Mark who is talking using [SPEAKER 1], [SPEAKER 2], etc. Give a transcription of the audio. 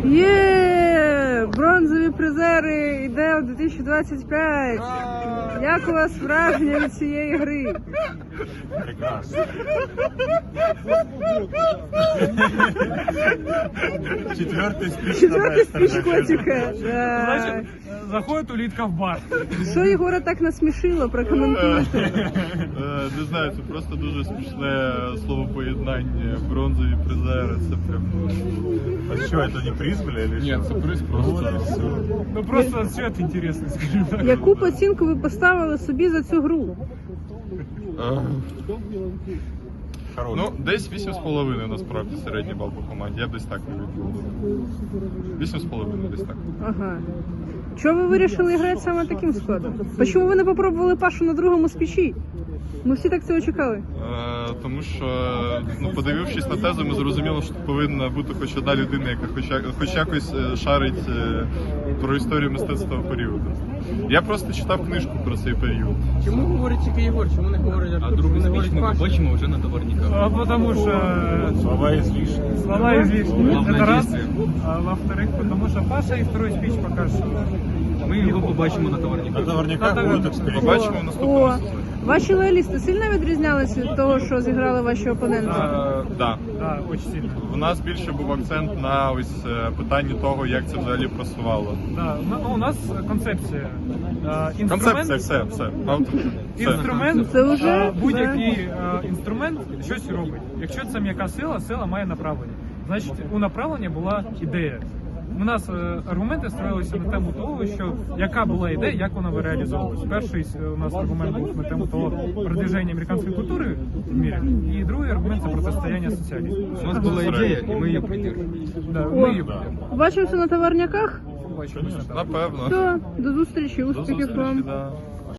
[SPEAKER 1] Є! Бронзові призери йде у 2025. Як у вас враження від цієї гри?
[SPEAKER 2] Прекрасно.
[SPEAKER 1] Четвертий спіч котика.
[SPEAKER 3] Значит, заходит улитка в бар.
[SPEAKER 1] Що Єгора так насмішило? Прокоментуйте.
[SPEAKER 4] Не знаю, це просто дуже смішне словопоєднання. Бронзові призери, це прям...
[SPEAKER 2] А что, это не приз, бля, или что?
[SPEAKER 4] Ні, це приз просто.
[SPEAKER 3] Ну просто цвет интересный, скажем так.
[SPEAKER 1] Яку б оцінку ви поставили собі за цю гру?
[SPEAKER 2] Хороший.
[SPEAKER 4] Ну, десь 8,5 насправді середній бал по команді. Я б десь так не відповів. 8,5 десь так.
[SPEAKER 1] Ага. Чого ви вирішили грати саме таким складом? Чому ви не попробували Пашу на другому спічі? Ми всі так цього чекали.
[SPEAKER 4] Тому що, ну, подивившись на тезу, ми зрозуміли, що тут повинна бути хоч одна людина, яка хоч якось шарить про історію мистецтва того періоду. Я просто читав книжку про цей період.
[SPEAKER 5] Чому говорить тільки Єгор? Чому не говорить Артур? А другу спіч ми побачимо вже на товарниках.
[SPEAKER 3] А потому что
[SPEAKER 2] Слова излишни.
[SPEAKER 3] слова излишни.
[SPEAKER 5] Главное
[SPEAKER 3] Это раз.
[SPEAKER 5] действие.
[SPEAKER 3] А во-вторых, потому что Паша и второй спич покажет.
[SPEAKER 5] Ми його побачимо на товарниках.
[SPEAKER 2] На наверняка будут эксперименты.
[SPEAKER 4] Побачимо в наступному
[SPEAKER 1] О,
[SPEAKER 4] сезоні.
[SPEAKER 1] ваші лоялісти сильно відрізнялися від того, що зіграли ваші опоненти?
[SPEAKER 4] Да.
[SPEAKER 3] Да, очень сильно.
[SPEAKER 4] У нас більше був акцент на ось питанні того, як це взагалі просувало.
[SPEAKER 3] Да, ну, у нас концепція.
[SPEAKER 4] Концепція, все.
[SPEAKER 3] Інструмент,
[SPEAKER 1] Це вже,
[SPEAKER 3] будь-який інструмент щось робить. Якщо це м'яка сила, сила має направлення. Значить, у направлення була ідея. У нас аргументи строїлися на тему того, що яка була ідея, як вона би реалізовувалась. Перший у нас аргумент був на тему того продвиження американської культури в мірі, і другий аргумент це протистояння соціалізму.
[SPEAKER 5] У нас була ідея, і ми її придержуємо.
[SPEAKER 3] Да,
[SPEAKER 1] О,
[SPEAKER 3] ми її
[SPEAKER 1] побачимося на товарняках.
[SPEAKER 3] побачимо.
[SPEAKER 4] Напевно.
[SPEAKER 1] Все, до зустрічі,
[SPEAKER 4] До
[SPEAKER 1] успіхів
[SPEAKER 4] зустрічі,
[SPEAKER 1] вам.
[SPEAKER 4] да.